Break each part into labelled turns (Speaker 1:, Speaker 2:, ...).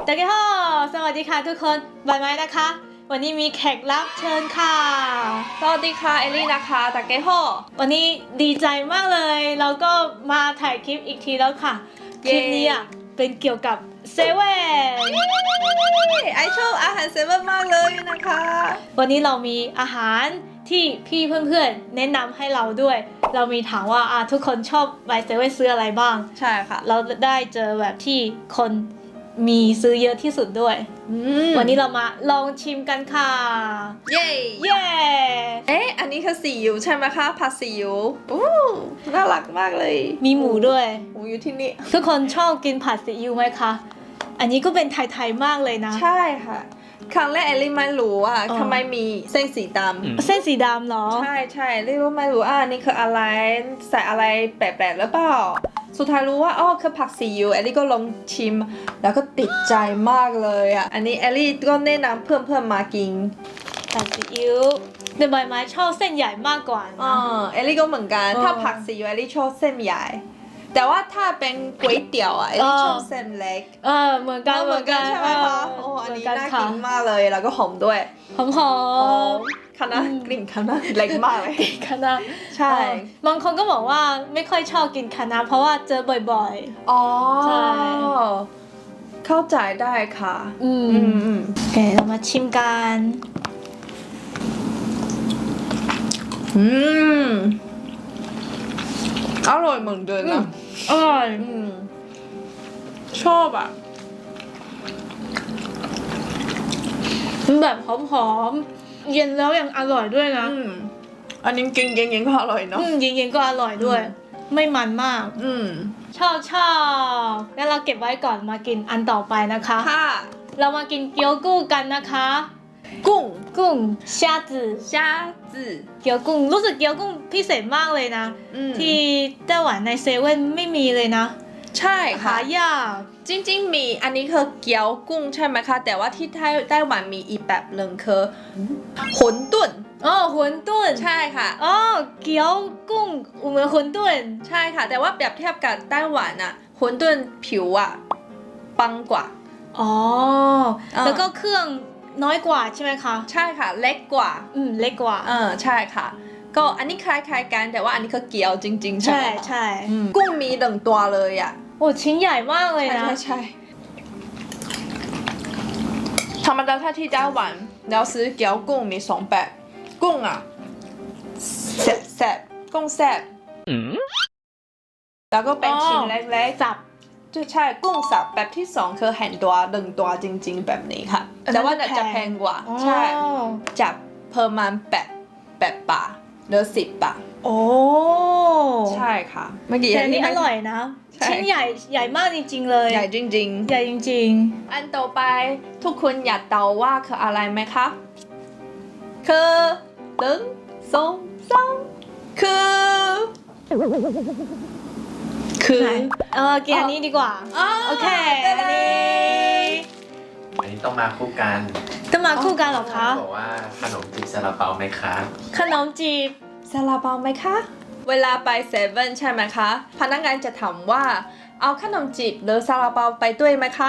Speaker 1: 大家好สวัสดีค่ะทุกคนบายไม้นะคะ วันนี้มีแขกรับเชิญค่ะ
Speaker 2: สวัสดีค่ะเอลลี่นะคะตาเกโฮ
Speaker 1: วันนี้ดีใจมากเลยเราก็มาถ่ายคลิปอีกทีแล้วค่ะ คลิปนี้อ่ะเป็นเกี่ยวกับเซเว่น
Speaker 2: ไอชอบอาหารเซเว่นมากเลยนะคะ
Speaker 1: วันนี้เรามีอาหารที่พี่เพื่อนๆแนะนำให้เราด้วย เรามีถามว่าทุกคนชอบไปเซเว่นซื้ออะไรบ้าง
Speaker 2: ใช่ค่ะ
Speaker 1: เราได้เจอแบบที่คนมีซื้อเยอะที่สุดด้วย วันนี้เรามาลองชิมกันค่ะ
Speaker 2: เย้
Speaker 1: เย้
Speaker 2: อันนี้คือซีอิ๊วใช่ไหมคะผัดซีอิ๊วอู้น่ารักมากเลย
Speaker 1: มีหมูด้วย
Speaker 2: หมูอยู่ที่นี่
Speaker 1: ทุกคนชอบกินผัดซีอิ๊วไหมคะ อันนี้ก็เป็นไทยๆมากเลยนะ
Speaker 2: ใช่ค่ะ ครั้งแรกเอลลี่ไม่รู้ว่าทำไมมีเส้นสีดำ
Speaker 1: เส้นสีดำเหรอ
Speaker 2: ใช่เอลลี่ไม่รู้อันนี้คืออะไรใส่อะไรแปลกๆหรือเปล่าสุดท้ายรู้ว่าคือผักซีอิ๊วเอลลี่ก็ลองชิม แล้วก็ติดใจมากเลยอ่ะอันนี้เอลลี่ก็แนะนำเพื่อนๆมากิน
Speaker 1: ผัดซีอิ๊วแต่ใบไม้ชอบเส้นใหญ่มากกว่านะ
Speaker 2: เอลลี่ก็เหมือนกันถ้าผักซีอิ๊วเอลลี่ชอบเส้นใหญ่ แต่ว่าถ้าเป็นก๋วยเตี๋ยวเอลลี่ชอบเส้นเล็ก
Speaker 1: เหมือนกัน
Speaker 2: เหมือนกันใช่ไหมคะโอ้อันนี้น่ากินมากเลยแล้วก็หอมด้วย
Speaker 1: หอม
Speaker 2: คณะกลิ่นคณะเล็กมากเลย
Speaker 1: คณะ
Speaker 2: ใช่
Speaker 1: บางคนก็บอกว่าไม่ค่อยชอบกินคณะเพราะว่าเจอบ่อย
Speaker 2: อ๋อ
Speaker 1: ใช่
Speaker 2: เข้าใจได้ค่ะ
Speaker 1: ๆโอเคเรามาชิมกัน
Speaker 2: อร่อยเหมือนเดิมนะ
Speaker 1: อร่อย
Speaker 2: ชอบอ่ะ
Speaker 1: มันแบบหอมๆเย็นแล้วยังอร่อยด้วยนะ
Speaker 2: อันนี้กินเย็นๆก็อร่อยเนาะ
Speaker 1: เย็นๆก็อร่อยด้วย ไม่มันมาก ชอบงั้นเราเก็บไว้ก่อนมากินอันต่อไปนะคะ
Speaker 2: ค่ะ
Speaker 1: เรามากินเกี๊ยวกุ้งกันนะคะ
Speaker 2: กุ้ง
Speaker 1: กุ้ง虾子
Speaker 2: 虾子
Speaker 1: เกี๊ยวกุ้งรู้สึกเกี๊ยวกุ้งพิเศษมากเลยนะ ที่ไต้หวันในเซเว่นไม่มีเลยนะ
Speaker 2: ใช่ค่ะ
Speaker 1: หายาก
Speaker 2: จริงๆมีอันนี้คือเกี๊ยวกุ้งใช่ไหมคะแต่ว่าที่ไต้หวันมีอีกแบบหนึ่งคือหนตุ้น
Speaker 1: 馄饨
Speaker 2: ใช่ค่ะ
Speaker 1: เกี๊ยวกุ้งเหมือน馄饨
Speaker 2: ใช่ค่ะ แต่ว่าเปรียบเทียบกับไต้หวันอะหนตุ้นผิวอะปังกว่า
Speaker 1: แล้วก็เครื่องน้อยกว่าใช่ไหมคะ
Speaker 2: ใช่ค่ะเล็กกว่า
Speaker 1: เล็กกว่า
Speaker 2: ใช่ค่ะ ก็อันนี้คล้ายๆกันแต่ว่าอันนี้คือเกี๊ยวจริงๆใช่
Speaker 1: ใช่
Speaker 2: ไหมคะ
Speaker 1: ใช่
Speaker 2: กุ้งมีหนึ่งตัวเลยอะ
Speaker 1: โอ้ชิ้นใหญ่มากเลย
Speaker 2: ใช่
Speaker 1: นะ
Speaker 2: ใช่ธรรมดาถ้าที่ไต้หวันเราซื้อเกี๊ยวกุ้งมีสองแบบกุ้งอะแซ่บกุ้งแซ่บแล้วก็เป็นชิ้นเล็กๆ
Speaker 1: สับ
Speaker 2: ใช่กุ้งสับแบบที่สองคือแห่นตัวหนึ่งตัวจริงๆแบบนี้ค่ะ
Speaker 1: อันนั้น
Speaker 2: แต่ว่า
Speaker 1: จะแพง
Speaker 2: จะแพงกว่าใช่จะประมาณ8 บาทหรือ10 บาท
Speaker 1: โอ้
Speaker 2: ใช่ค่ะเมื่อกี้
Speaker 1: แต่อันนี้อร่อยนะ
Speaker 2: ใช่
Speaker 1: ชิ้นใหญ่มากจริงๆเลย
Speaker 2: ใหญ่จริง
Speaker 1: ใหญ่จริง
Speaker 2: ๆ อันต่อไปทุกคนอยากเดาว่าคืออะไรไหมคะคือ1 2 3คือ
Speaker 1: ไหนกินอันนี้ดีกว่า โอเค อันนี้
Speaker 3: อันนี้ต้องมาคู่กัน
Speaker 1: ต้องมาคู่กันเหรอคะ
Speaker 3: บอกว่าขนมจีบซาลาเปาไหมคะ
Speaker 1: ขนมจีบ
Speaker 2: ซาลาเปาไหมคะ เวลาไปเซเว่นใช่ไหมคะ พนักงานจะถามว่าเอาขนมจีบหรือซาลาเปาไปด้วยไหมคะ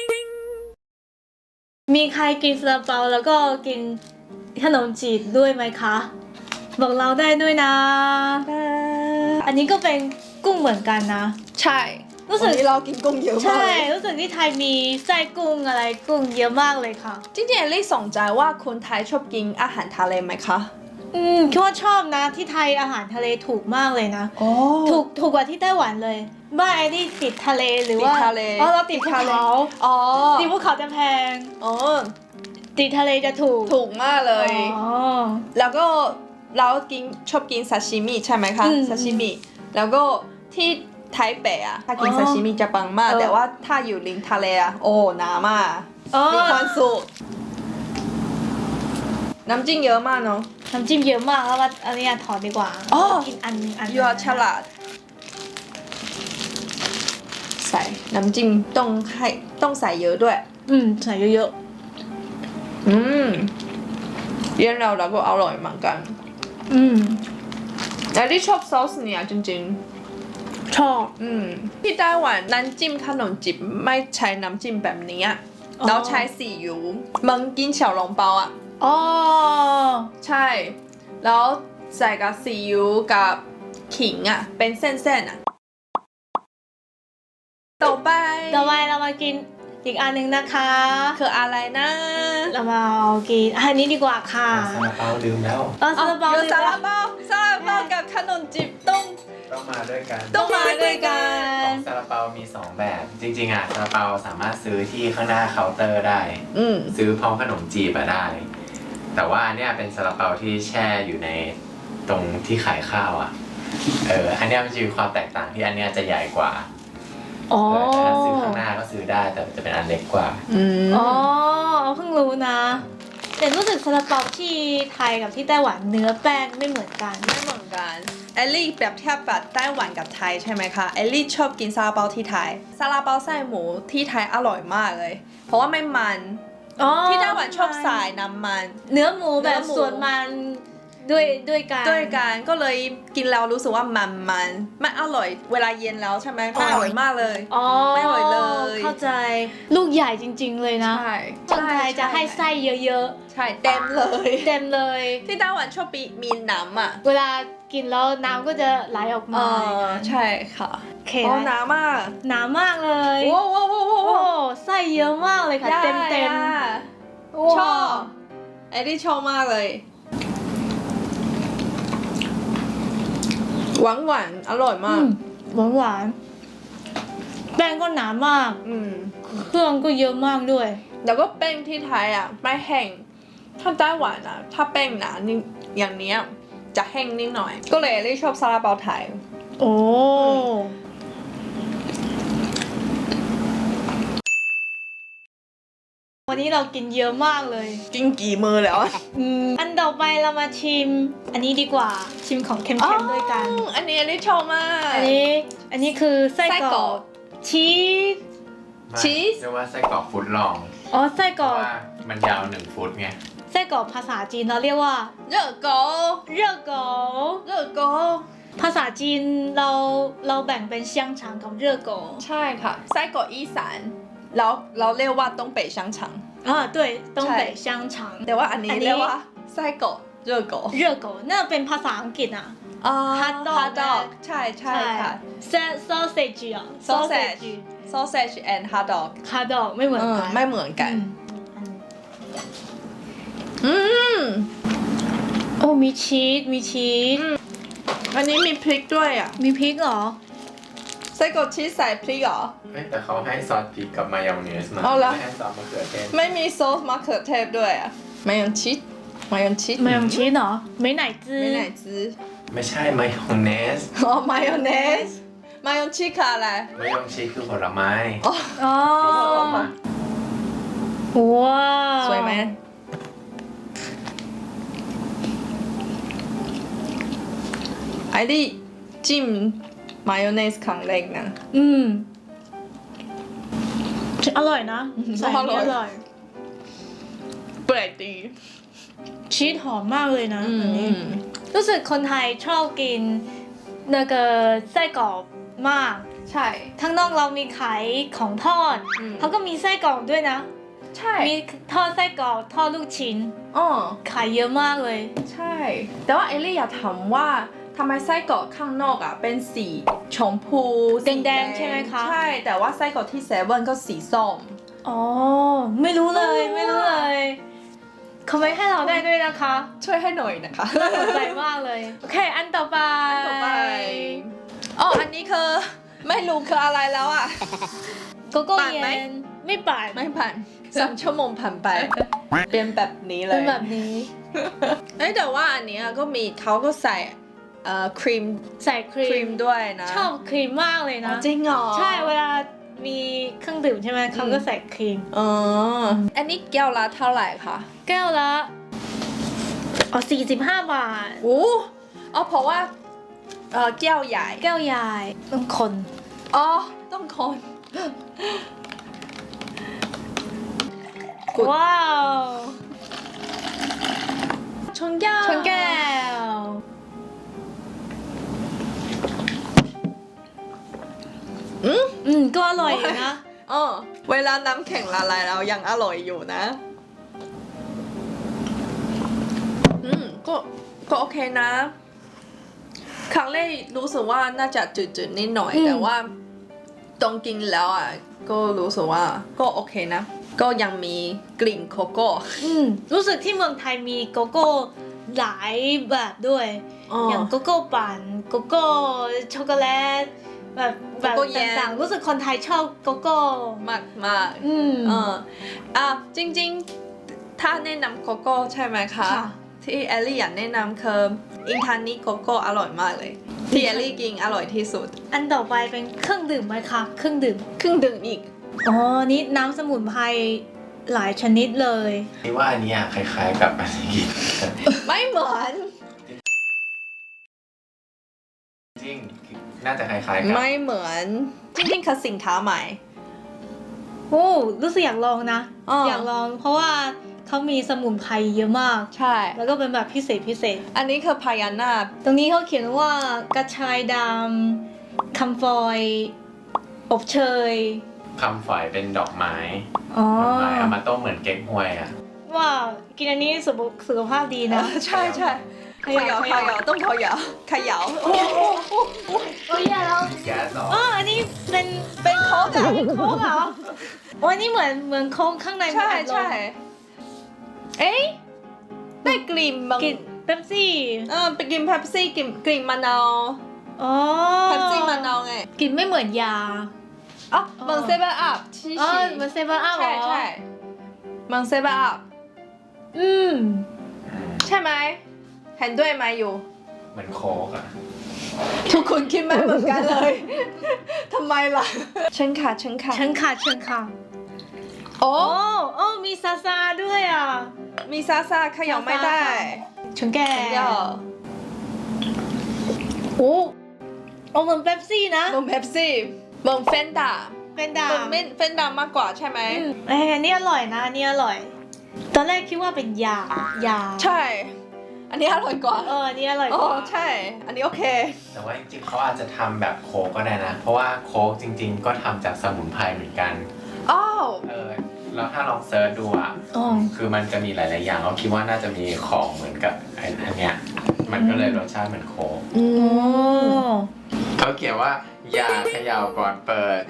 Speaker 1: มีใครกินซาลาเปาแล้วก็กินขนมจีบด้วยไหมคะ บอกเราได้ด้วยนะ อันนี้ก็เป็นกุ้งเหมือนกันนะ
Speaker 2: ใช่
Speaker 1: รู้สึก
Speaker 2: วันนี้เรากินกุ้งเยอะมาก
Speaker 1: ใช่
Speaker 2: เลย
Speaker 1: รู้สึกที่ไทยมีไส้กุ้งอะไรกุ้งเยอะมากเลยค่ะ
Speaker 2: จริงๆเอลลี่สนใจว่าคนไทยชอบกินอาหารทะเลไหมคะ
Speaker 1: คิดว่าชอบนะที่ไทยอาหารทะเลถูกมากเลยนะ ถูกกว่าที่ไต้หวันเลยบ้านไอ้นี่ติดทะเลหรือว่า
Speaker 2: ติดทะเล
Speaker 1: เราติดภูเขา
Speaker 2: อ๋อ
Speaker 1: ติดภูเขาจะแพง
Speaker 2: อ๋อ
Speaker 1: ติดทะเลจะถูก
Speaker 2: ถูกมากเลย
Speaker 1: อ๋อ
Speaker 2: แล้วก็เราชอบกินซาชิมิใช่ไหมคะ ซาชิมิ แล้วก็ที่ไทเปอะถ้ากินซาชิมิจะปังมาก แต่ว่าถ้าอยู่ริมทะเลอะโอ้หนามาก มีความสุขน้ำจิ้มเยอะมากเนาะ
Speaker 1: น้ำจิ้มเยอะมากแล้วว่าอันนี้ถอดดีกว่า
Speaker 2: อ๋อ
Speaker 1: กินอันนึง
Speaker 2: ยูฉลาดใส่น้ำจิ้มต้องใส่เยอะด้วย
Speaker 1: ใส่เยอะ
Speaker 2: เย็นเราก็อร่อยเหมือนกัน
Speaker 1: ๆ
Speaker 2: แต่ที่ชอบซอสเนี่ยจริง
Speaker 1: ชอบ
Speaker 2: ที่ไต้หวันน้ำจิ้มขนมจีบไม่ใช้น้ำจิ้มแบบนี้แล้วใช้ซีอิ๊วมึงกินเฉาหลงเปาอ่ะ
Speaker 1: อ๋อ
Speaker 2: ใช่ แล้วใส่กับซีอิ๊วกับขิงอ่ะ เป็นเส้นๆอ่ะ ต่อไป
Speaker 1: ต่อไปเรามากินอีกอันหนึ่งนะคะ
Speaker 2: คืออะไรนะ
Speaker 1: เรามาเอากินอันนี้ดีกว่าค่ะ
Speaker 3: ซาลาเปาลืมแล้ว
Speaker 1: ซาลาเปา
Speaker 2: เดี๋ยว
Speaker 1: เลย
Speaker 2: ซาลา
Speaker 1: นะ
Speaker 2: เปาซาลาเปากับขนมจีบต้อง
Speaker 3: ต้องมาด้วยกัน
Speaker 2: ต้องมาด้วยกั
Speaker 3: ขอน งซาลาเปามี 2 แบบ จริงๆอ่ะซาลาเปาสามารถซื้อที่ข้างหน้าเคาน์เตอร์ได้ ซื้อพร้อมขนมจีบอะได้ แต่ว่าเนี่ยเป็นซาลาเปาที่แช่อยู่ในตรงที่ขายข้าวอ่ะ อันเนี้ยมันจะมีความแตกต่างที่อันเนี้ยจะใหญ่กว่า
Speaker 1: อ๋อ
Speaker 3: แต่ถ้าซื้อข้างหน้าก็ซื้อได้แต่จะเป็นอันเล็กกว่า
Speaker 1: อ๋อเพิ่งรู้นะ แต่รู้สึกซาลาเปาที่ไทยกับที่ไต้หวันเนื้อแป้งไม่เหมือนกัน
Speaker 2: ไม่เหมือนกันเอลลี่แบบเทียบแบบไต้หวันกับไทยใช่ไหมคะเอลลี่ชอบกินซาลาเปาที่ไทยซาลาเปาไส้หมูที่ไทยอร่อยมากเลย เพราะว่าไม่มัน
Speaker 1: อ๋อ
Speaker 2: ที่ไต้หวันชอบใส่น้ำมัน
Speaker 1: เนื้อหมูแบบ
Speaker 2: เนื้อหมู
Speaker 1: ส่วนมันด้วยกัน
Speaker 2: ด้วยกันก็เลยกินแล้วรู้สึกว่ามันไม่อร่อย เวลาเย็นแล้วใช่ไหมไม่อร่อยมากเลย
Speaker 1: อ๋อ
Speaker 2: ไม่อร่อยเลย
Speaker 1: เข้าใจ ลูกใหญ่จริง ๆ เลยนะ
Speaker 2: ใช่
Speaker 1: คนไทยจะให้ไส้เยอะ
Speaker 2: ใช่เต็มเลย
Speaker 1: ๆ เต็มเลย
Speaker 2: ที่ไต้หวันชอบมีน้ำอ่ะ
Speaker 1: เวลากินแล้วน้ำก็จะไหลออกมา
Speaker 2: ใช่ค่ะ
Speaker 1: โอเค
Speaker 2: อ๋อ
Speaker 1: นะ
Speaker 2: น้ำมาก
Speaker 1: หนามากเลย
Speaker 2: ว้าวว้าวว้าว
Speaker 1: โอ้
Speaker 2: ว้าว
Speaker 1: ไส้เยอะมากเลยค่ะ เต็มๆ
Speaker 2: ชอบเอลลี่ชอบมากเลยหวานอร่อยมาก
Speaker 1: หวานๆแป้งก็หนามาก
Speaker 2: ม
Speaker 1: เครื่องก็เยอะมากด้วย
Speaker 2: แล้วก็แป้งที่ไทยอ่ะไม่แห้งถ้าไต้หวันอ่ะถ้าแป้งหนานี่อย่างเนี้ยจะแห้งนิดหน่อย ก็เลยเอลลี่ชอบซาลาเปาไทย
Speaker 1: โอ้วันนี้เรากินเยอะมากเลย
Speaker 2: กินกี่มือแล้วอะ
Speaker 1: อันต่อไปเรามาชิม อันนี้ดีกว่า ชิมของเค็มๆด้วยกัน
Speaker 2: อันนี้เอลลี่ชอบมาก
Speaker 1: อันนี้คือไส้
Speaker 2: ไส้
Speaker 1: ก
Speaker 2: ก
Speaker 1: ร
Speaker 2: ร
Speaker 1: อ
Speaker 2: อก ก
Speaker 1: ชีส
Speaker 2: ชีส
Speaker 3: เรียกว่าไส้กรอกฟุตลอง
Speaker 1: อ๋อ ไส้
Speaker 3: เพ
Speaker 1: กรอ
Speaker 3: ราะ
Speaker 1: ก
Speaker 3: ว่ามันยาว1 ฟุตไง
Speaker 1: ไส้กรอกภาษาจีนเราเรียกว่า
Speaker 2: เลือกโก
Speaker 1: เร่อโก
Speaker 2: เลือกโก
Speaker 1: ภาษาจีนเราแบ่งเป็น香肠กับเร่อโก
Speaker 2: ใช่ค่ะไส้กรอกอีสานแล้วเราเรียกว่า东北香肠
Speaker 1: 啊对东北香肠
Speaker 2: แต่ว่าอันนี้เรียกว่าไส้กรอกเลือกโก
Speaker 1: เร่อโกน่าเป็นภาษาอังกฤษอ่ะ hot dog
Speaker 2: ฮอทดอกใช่ค่ะ
Speaker 1: sausage อ่ะ
Speaker 2: sausage and hot dog
Speaker 1: hot dog ไม่เหมือนกัน
Speaker 2: ไม่เหมือนกัน
Speaker 1: อืม
Speaker 2: อืม
Speaker 1: โอ้มีชีส
Speaker 2: อันนี้มีพริกด้วยอ่ะ
Speaker 1: มีพริกเหรอ
Speaker 2: ไส้กรอกชีสใส่พริกเหรอ
Speaker 3: เฮ้ยแต่เขาให้ซอสพริกกับมายองเนสมา
Speaker 2: เอาละ
Speaker 3: ไม่ให้ซอสมะเขือเทศ
Speaker 2: ไม่มีซอสมะเขือเทศด้วยอ่ะมายองชีส
Speaker 1: ไม่用ชีสเหรอไม่ไหนจื้อ
Speaker 2: ไม่ไหนซื้อ
Speaker 3: ไม่ใช่มายองเนส
Speaker 2: อ๋อมายองเนสมายองชีสคืออะไร
Speaker 3: มายองชีสคือผลไม้
Speaker 2: อ๋อ
Speaker 1: อ๋อ
Speaker 3: มา
Speaker 1: ว้าว
Speaker 2: สวยไหมไอรี่จิ้มมายองเนสครั้งแรกนะ
Speaker 1: อร่อยนะใส่นี่
Speaker 2: อร่อย
Speaker 1: อร่อย
Speaker 2: แปลกดี
Speaker 1: ชีสหอมมากเลยนะอันนี้รู้สึกคนไทยชอบกิน那个ไส้กรอกมาก
Speaker 2: ใช่
Speaker 1: ข้างนอกเรามีขายของทอด
Speaker 2: อืม
Speaker 1: เขาก็มีไส้กรอกด้วยนะ
Speaker 2: ใช่
Speaker 1: มีทอดไส้กรอกทอดลูกชิ้น
Speaker 2: อ๋อ
Speaker 1: ขายเยอะมากเลย
Speaker 2: ใช่ แต่ว่าเอลลี่อยากถามว่าทำไมไส้กรอกข้างนอกอ่ะเป็นสีชมพูสี
Speaker 1: แดงๆใช่ไหมคะ
Speaker 2: ใช่ แต่ว่าไส้กรอกที่เซเว่นก็สีส้ม
Speaker 1: อ๋อไม่รู้เลยไม่รู้เลยเขาไม่ให้เราได้ด้วยนะคะ
Speaker 2: ช่วยให้หน่อยนะคะ
Speaker 1: น่าสนใจมากเลยโอเคอันต่อไป
Speaker 2: ต่อไปอ๋ออันนี้คือไม่รู้คืออะไรแล้วอ่ะ
Speaker 1: โกโก้
Speaker 2: ปั่นไหม
Speaker 1: เย็นไม่ปั่น
Speaker 2: ไม่ผ่าน3 ชั่วโมงผ่านไป เป็นแบบนี้เล
Speaker 1: เป็น
Speaker 2: ย
Speaker 1: แบบนี้
Speaker 2: เอ้ยแต่ว่าอันเนี้ยก็มีเขาก็ใส่ครีม
Speaker 1: ใส่ครี
Speaker 2: ครีมด้วยนะ
Speaker 1: ชอบครีมมากเลย
Speaker 2: อ๋
Speaker 1: นะ
Speaker 2: อจริงเหรอ
Speaker 1: ใช่เวลามีเครื่องดื่มใช่ไหมเขาก็ใส่ครีม
Speaker 2: อ๋ออันนี้แก้วละเท่าไหร่คะ
Speaker 1: แก้วละ45 บาท
Speaker 2: โอ้อ๋อเพราะว่าแก้วใหญ่
Speaker 1: แก้วใหญ่ต้องคน
Speaker 2: อ๋อต้องคน
Speaker 1: ว้าว
Speaker 2: ชนแก้ว
Speaker 1: ชนแก้ว
Speaker 2: อืม
Speaker 1: ก็อร่อยอยู่นะ
Speaker 2: เวลาน้ำแข็งละลายแล้วยังอร่อยอยู่นะก็โอเคนะ ครั้งแรกรู้สึกว่าน่าจะจืดๆนิดหน่อยแต่ว่าตรงกินแล้วอ่ะก็รู้สึกว่าก็โอเคนะ ก็ยังมีกลิ่นโกโก้
Speaker 1: รู้สึกที่เมืองไทยมีโกโก้หลายแบบด้วย อย่างโกโก้ปั่นโกโก้ช็อกโกแลตแบบต่างๆรู้สึกคนไทยชอบโกโก้
Speaker 2: มากจริงๆถ้าแนะนำโกโก้ใช่ไหมคะที่แอลลี่อยากแนะนำคืออินทานิโกโก้อร่อยมากเลยที่แอลลี่กินอร่อยที่สุด
Speaker 1: อันต่อไปเป็นเครื่องดื่มไหมคะเครื่องดื่ม
Speaker 2: อีก
Speaker 1: นี่น้ำสมุนไพรหลายชนิดเลย
Speaker 3: นี่ว่าอันนี้คล้ายๆกับอันนี้
Speaker 2: ไม่เหมือน
Speaker 3: จริงน่าจะคล้ายๆกัน
Speaker 2: ไม่เหมือนจริงๆคือสินค้าใหม่
Speaker 1: รู้สึกอยากลองนะอยากลองเพราะว่าเขามีสมุนไพรเยอะมาก
Speaker 2: ใช่
Speaker 1: แล้วก็เป็นแบบพิเศษ
Speaker 2: อันนี้คือพายานา
Speaker 1: ตรงนี้เขาเขียนว่ากระชายดำคำฟอยอบเชย
Speaker 3: คำฝอยเป็นดอกไม้เอามาต้มเหมือนเก๊กฮวย
Speaker 1: ว่ากินอันนี้สุขภาพดีนะ
Speaker 2: ใช่เขย่าต้องเขย่า
Speaker 1: โอ้ยแล้ว
Speaker 3: แก๊สหรอ
Speaker 1: อันนี้เป็นโค้กเหรออันนี้เหมือนโค้กข้างใน
Speaker 2: ใช่ได้กลิ่น
Speaker 1: เป๊ปซี่
Speaker 2: ไปกินเป๊ปซี่กลิ่นมะนาวเป๊ปซี่มะนาวไง
Speaker 1: กลิ่นไม่เหมือนยา
Speaker 2: เหมือนเซเว่นอัพ
Speaker 1: เหมือนเซเว่นอัพ
Speaker 2: ใช่เหมือนเซเว่นอัพใช่ไหมเห็นด้วยไหมอยู่
Speaker 3: เหมือนโค้ก
Speaker 2: ทุกคนคิดไม่เหมือนกันเลยทำไมล่ะฉันค่ะโอ้
Speaker 1: มีซาด้วย
Speaker 2: มีซาเขย่าไม่ได้
Speaker 1: ชนแก่เหมือนเป๊ปซี่นะ
Speaker 2: เหมือนเป๊ปซี่เหมือนเฟนดา
Speaker 1: ม
Speaker 2: ากกว่าใช่ไหม
Speaker 1: อันนี้อร่อยนะอันนี้อร่อยตอนแรกคิดว่าเป็นยา
Speaker 2: ใช่อันนี้อร่อยกว่า
Speaker 1: อันนี้อร่อยกว่า
Speaker 2: ใช่อันนี้โอเค
Speaker 3: แต่ว่าจริงๆเขาอาจจะทำแบบโค้กก็ได้นะเพราะว่าโค้กจริงๆก็ทำจากสมุนไพรเหมือนกันแล้วถ้าลองเซิร์ชดูคือมันจะมีหลายๆอย่างเราคิดว่าน่าจะมีของเหมือนกับอันเนี้ยมันก็เลยรสชาติเหมือนโค้กเขาเขียนว่าอย่าเขย่าก่อนเปิด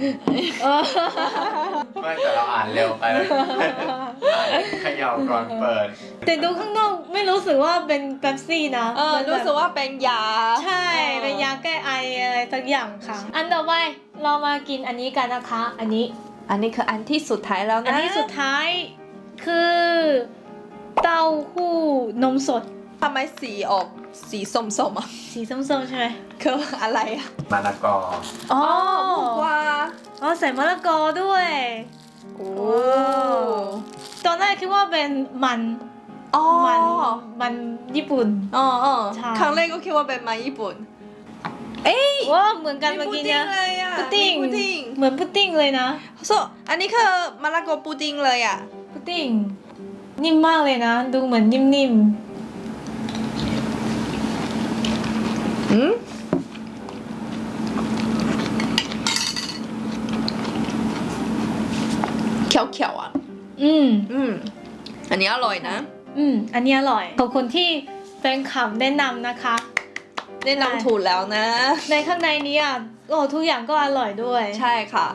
Speaker 3: ไม่แต่เราอ่านเร็วไปเขย่าก่อนเปิด
Speaker 1: แต่ดูข้างนอกไม่รู้สึกว่าเป็นเป๊ปซี่นะ
Speaker 2: รู้สึกว่าเป็นยา
Speaker 1: ใช่เป็นยาแก้ไออะไรสักอย่างค่ะอันต่อไปเรามากินอันนี้กันนะคะอันนี้
Speaker 2: คืออันที่สุดท้ายแล้วนะ
Speaker 1: อันที่สุดท้ายคือเต้าหู้นมสด
Speaker 2: ทำไมสีออกสีส้มๆ
Speaker 1: สีส้มๆใช่ไหม
Speaker 2: คืออะไร
Speaker 3: มะละกอ
Speaker 2: บุกว่า
Speaker 1: ใส่มะละกอด้วยตอนแรกคิดว่าเป็นมันญี่ปุ่น
Speaker 2: ครั้งแรกก็คิดว่าเป็นมันญี่ปุ่น
Speaker 1: เหมือนกันเมื่อกี้เนี่ยพุดดิ้งเหมือนพุดดิ้งเลยนะ
Speaker 2: อันนี้คือมะละกอพุดดิ้งเลย
Speaker 1: พุดดิ้งนิ่มมากเลยนะดูเหมือนนิ่ม
Speaker 2: เขียวอันนี้อร่อยนะ
Speaker 1: อันนี้อร่อยขอบคุณที่แฟนคลับแนะนำนะคะ
Speaker 2: แนะนำถูกแล้วนะ
Speaker 1: ในข้างในนี้ทุกอย่างก็อร่อยด้วย
Speaker 2: ใช่ค่ะ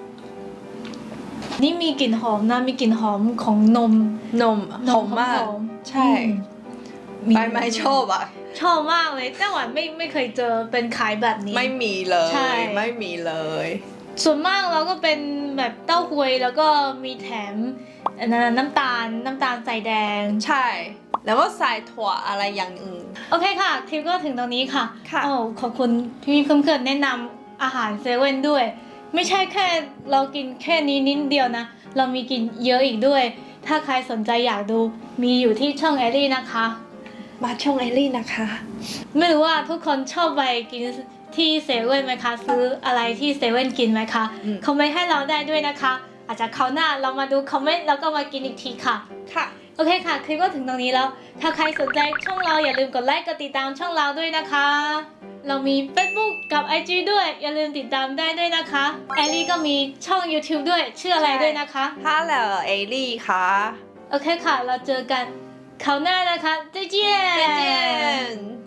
Speaker 1: นี่มีกลิ่นหอมนะมีกลิ่นหอมของนม
Speaker 2: หอมมากใช่ไม่ชอบ
Speaker 1: ชอบมากเลยแต่ว่าไม่เคยเจอเป็นขายแบบนี้
Speaker 2: ไม่มีเลยไม่มีเลย
Speaker 1: ส่วนมากเราก็เป็นแบบเต้าหวยแล้วก็มีแถมน้ำตาลใส่แดง
Speaker 2: ใช่แล้วก็ใส่ถั่วอะไรอย่างอื่น
Speaker 1: โอเคค่ะคลิปก็ถึงตรงนี้ค่ะขอบคุณพี่เพื่อนๆแนะนำอาหารเซเว่นด้วยไม่ใช่แค่เรากินแค่นี้นิดเดียวนะเรามีกินเยอะอีกด้วยถ้าใครสนใจอยากดูมีอยู่ที่ช่องแอลลี่นะคะ
Speaker 2: มาช่องแอลลี่นะคะ
Speaker 1: ไม่รู้ว่าทุกคนชอบไปกินที่เซเว่นไหมคะซื้ออะไรที่เซเว่นกินไหมคะคอมเมนต์ให้เราได้ด้วยนะคะอาจจะคราวหน้าเรามาดูคอมเมนต์แล้วก็มากินอีกทีค่ะโอเคค่ะคลิปก็ถึงตรงนี้แล้วถ้าใครสนใจช่องเราอย่าลืมกดไลค์กดติดตามช่องเราด้วยนะคะเรามี Facebook กับ IG ด้วยอย่าลืมติดตามได้ด้วยนะคะแอลลี่ก็มีช่อง YouTube ด้วยชื่ออะไรด้วยนะคะ
Speaker 2: Hello เอลี่ค่ะ
Speaker 1: โอเคค่ะ เราเจอกันคราวหน้านะคะ再见
Speaker 2: 再见